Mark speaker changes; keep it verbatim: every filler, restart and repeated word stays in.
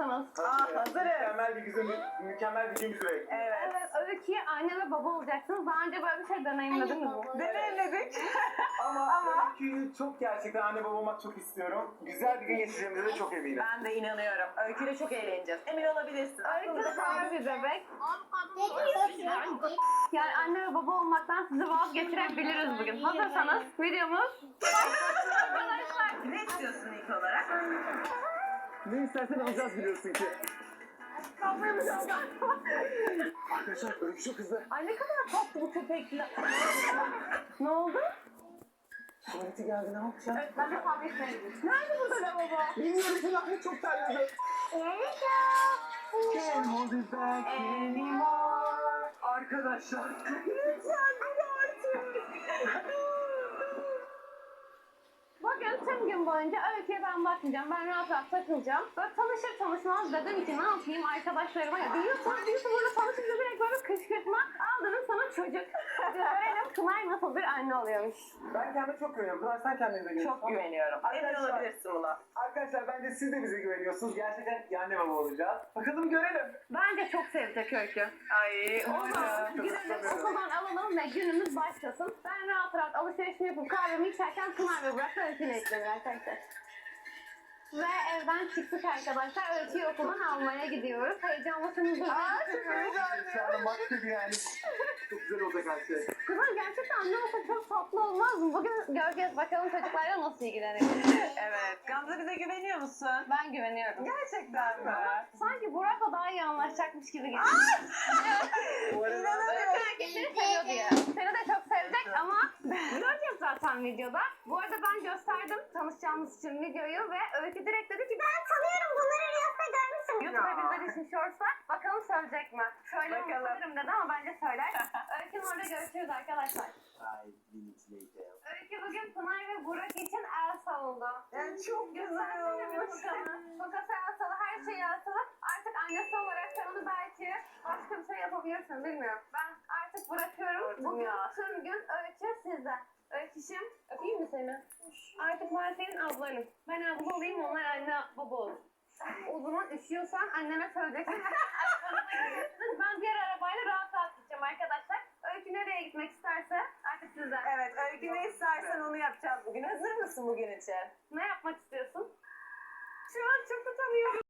Speaker 1: mısınız?
Speaker 2: Aa, hazırız.
Speaker 3: Mükemmel bir gün, mükemmel bir gün süreç.
Speaker 2: Evet.
Speaker 1: Evet, Öykü'ye anne ve baba olacaksınız. Daha önce böyle bir şey deneyimlediniz mi?
Speaker 2: Deneyimledik.
Speaker 3: Ama,
Speaker 2: Ama-
Speaker 3: Öykü'yü çok gerçekten anne baba olmak çok istiyorum. Güzel bir gün geçireceğimize de çok eminim.
Speaker 2: Ben de inanıyorum. Öyküyle çok eğleneceğiz. Emin olabilirsin.
Speaker 1: Öykü
Speaker 2: Aklımda
Speaker 1: süper bir bebek. Yani anne ve baba olmaktan sizi vazgeçirebiliriz bugün. Hazırsanız videomuz başlasın arkadaşlar.
Speaker 2: Ne istiyorsun ilk olarak?
Speaker 3: Ne istersen alacağız biliyorsun ki. Arkadaşlar Öykü çok hızlı.
Speaker 2: Ay ne kadar tatlı bu köpekler. Ne oldu?
Speaker 3: Tuvaleti geldi ne yapacağız?
Speaker 1: Evet, ben de kahve içmeye gidiyorum.
Speaker 2: Nerede burada lavabo?
Speaker 3: Bilmiyorum Fırat çok terledi. Can't hold it back anymore. Arkadaşlar.
Speaker 2: Lütfen dur artık.
Speaker 1: Bugün tüm gün boyunca Öykü'ye ben bakmayacağım. Ben rahat rahat takılacağım. Böyle tanışır tanışmaz dedim ki ne yapayım arkadaşlarıma ya. Biliyorsunuz YouTuber'la tanışınca direkt böyle kışkırtma. Al dedim sana çocuk. Görelim Pınar nasıl bir anne oluyormuş.
Speaker 3: Ben kendime çok güveniyorum. Pınar sen kendine de güveniyorsun.
Speaker 2: Çok güveniyorum. Emin
Speaker 3: Arkadaşlar-
Speaker 2: olabilirsin buna.
Speaker 3: Arkadaşlar bence siz de bize güveniyorsunuz. Gerçekten iyi anne baba olacağız. Bakalım görelim.
Speaker 1: Bence çok sevecek Öykü.
Speaker 2: Ay
Speaker 1: O zaman
Speaker 3: Çok
Speaker 1: gidelim
Speaker 3: istemiyorum.
Speaker 1: okuldan alalım ve günümüz başlasın. Ben rahat rahat alışverişimi yapıp kahvemi içerken Pınar ve Burak da Öykü'yle ekleniyor arkadaşlar. Ve evden çıktık arkadaşlar. Öykü'yü okuldan almaya gidiyoruz. Heyecanlısınızdır.
Speaker 2: Aa, çok
Speaker 3: Şu anda maç gibi yani. Çok güzel olacak her şey.
Speaker 1: Kızlar gerçekten anne olsa çok tatlı olmaz mı? Bugün göreceğiz bakalım çocuklarla nasıl ilgileniyor.
Speaker 2: Evet. Gamze bize güveniyor musun?
Speaker 1: Ben güveniyorum.
Speaker 2: Gerçekten mi?
Speaker 1: Sanki Burak'la daha iyi anlaşacakmış gibi geliyor.
Speaker 3: Bu arada
Speaker 2: İnanamıyorum.
Speaker 1: Seni seviyor diye. Seni de çok sevecek ama göreceğiz zaten videoda. Bu arada ben gösterdim tanışacağımız için videoyu ve Öykü direkt dedi ki ben tanıyorum bunları Reels'te görmüşüm. YouTube'a bizler için shorts'ta. Bakalım söyleyecek mi? Şöyle
Speaker 2: Bakalım.
Speaker 1: unutabilirim dedi ama bence söyler. Öykü'nün orada görüşürüz arkadaşlar.
Speaker 3: Five minutes later.
Speaker 1: Öykü bugün Pınar ve Burak için Elsa oldu.
Speaker 2: Yani çok güzel
Speaker 1: Göstersene bir
Speaker 2: olmuş.
Speaker 1: Furkan'ı. Furkan'ı Elsa'lı, her şey Elsa'lı. Artık annesi olarak sen onu belki başka bir şey yapabilirsin bilmiyorum. Ben artık bırakıyorum.
Speaker 2: Artık
Speaker 1: Bugün
Speaker 2: ya.
Speaker 1: tüm gün Öykü sizde. Öyküşüm, öpeyim mi seni? Artık ben senin ablanım. Ben abla olayım, onlar anne baba olur. O zaman üşüyorsan anneme söyleyeceksin. Ben diğer arabayla rahat rahat gideceğim arkadaşlar. Öykü nereye gitmek isterse artık sizden.
Speaker 2: Evet, Öykü ne istersen onu yapacağız bugün. Hazır mısın bugün için?
Speaker 1: Ne yapmak istiyorsun? Şu an çok utanıyorum.